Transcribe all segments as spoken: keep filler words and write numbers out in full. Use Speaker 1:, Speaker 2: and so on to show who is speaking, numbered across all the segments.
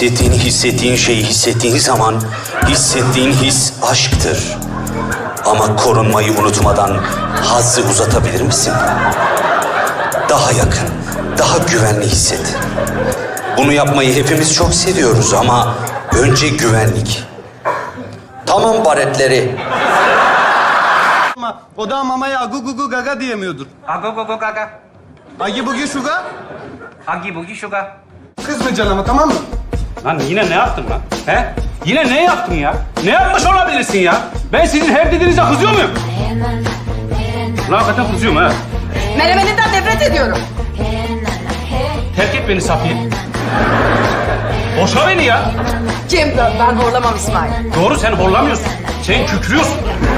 Speaker 1: Hissettiğini hissettiğin şeyi hissettiğin zaman hissettiğin his aşktır. Ama korunmayı unutmadan hazzı uzatabilir misin? Daha yakın, daha güvenli hisset. Bunu yapmayı hepimiz çok seviyoruz ama önce güvenlik. Tamam baretleri.
Speaker 2: Ama o da mamaya agu gu gu gaga diyemiyordur.
Speaker 3: Ago go go gaga.
Speaker 2: Agi bugi şuga.
Speaker 3: Agi bugi şuga.
Speaker 2: Kızmayacaksın ama, tamam mı?
Speaker 3: Lan yine ne yaptın lan? He? Yine ne yaptın ya? Ne yapmış olabilirsin ya? Ben sizin her dediğinize kızıyor muyum? Lan hakikaten kızıyorum ha.
Speaker 4: Menemeninden nefret ediyorum.
Speaker 3: Terk et beni Safiye. Boşa beni ya.
Speaker 4: Kim? Ben horlamam İsmail.
Speaker 3: Doğru, sen horlamıyorsun. Sen kükrüyorsun.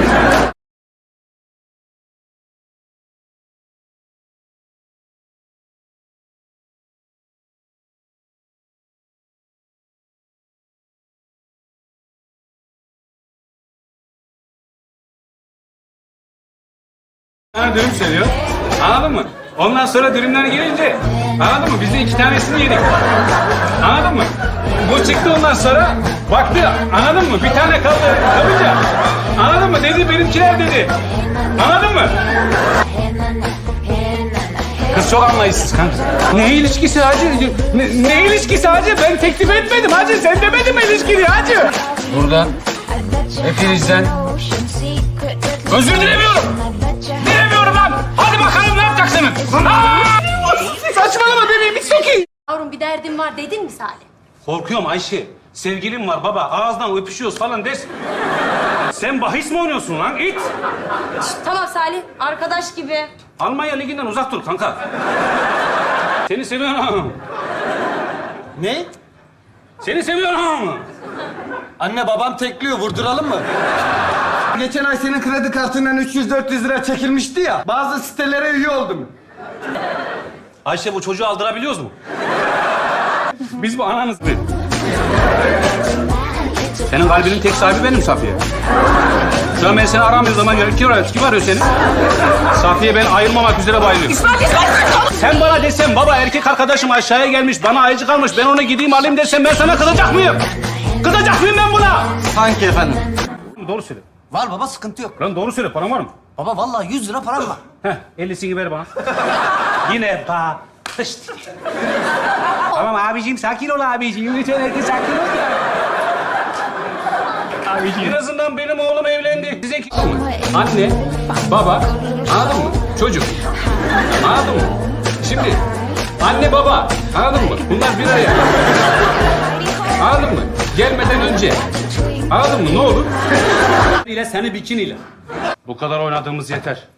Speaker 3: Ha, dürüm seviyor. Anladın mı? Ondan sonra dürümler gelince, anladın mı? Biz de iki tanesini yedik. Anladın mı? Bu çıktı ondan sonra, baktı, anladın mı? Bir tane kaldı kapınca. Anladın mı? Dedi, benimkiler dedi. Anladın mı? Kız çok anlayışsız kanka. Ne ilişkisi hacı? Ne, ne ilişkisi hacı? Ben teklif etmedim hacı. Sen demedin mi ilişkini hacı? Buradan, hepinizden özür dilemiyorum. Dilemiyorum lan. Hadi bakalım ne yapacaksınız? Saçmalama bebeğim, hiç okey.
Speaker 5: Yavrum bir derdim var dedin mi Salih?
Speaker 3: Korkuyorum Ayşe. Sevgilim var baba. Ağızdan öpüşüyoruz falan desin. Sen bahis mi oynuyorsun lan? İt.
Speaker 5: Tamam Salih, arkadaş gibi.
Speaker 3: Almanya liginden uzak dur kanka. Seni seviyorum.
Speaker 2: Ne?
Speaker 3: Seni seviyorum.
Speaker 2: Anne babam tekliyor, vurduralım mı? Geçen ay senin kredi kartından üç yüz dört yüz lira çekilmişti ya. Bazı sitelere üye oldum.
Speaker 3: Ayşe, bu çocuğu aldırabiliyoruz mu? Biz bu ananız mı? Senin kalbinin tek sahibi benim Safiye. Şu an ben seni aramıyorum ama göre kim arıyor? Kim arıyor seni? Safiye, ben ayrılmamak üzere bayılıyorum.
Speaker 4: İsmail, İsmail!
Speaker 3: Sen bana desen baba erkek arkadaşım aşağıya gelmiş, bana ayıcık almış, ben onu gideyim alayım desem ben sana kızacak mıyım? Kızacak mıyım ben buna?
Speaker 2: Sanki efendim.
Speaker 3: Doğru söyle.
Speaker 6: Var baba, sıkıntı yok.
Speaker 3: Lan doğru söyle, paran var mı?
Speaker 6: Baba vallahi yüz lira param var.
Speaker 3: Heh, ellisini ver bana. Yine pa. Pışt. Tamam abiciğim, sakin ol abiciğim. Lütfen herkes sakin ol ya. Abiciğim. En azından benim oğlum evlendi. Size kim? Anne, baba, anladın mı? Çocuk. Anladın mı? Şimdi anne baba, anladın mı? Bunlar bir araya. Anladın mı? Gelmeden önce. Anladın mı? Ne olur? İle seni bikiniyle. Bu kadar oynadığımız yeter.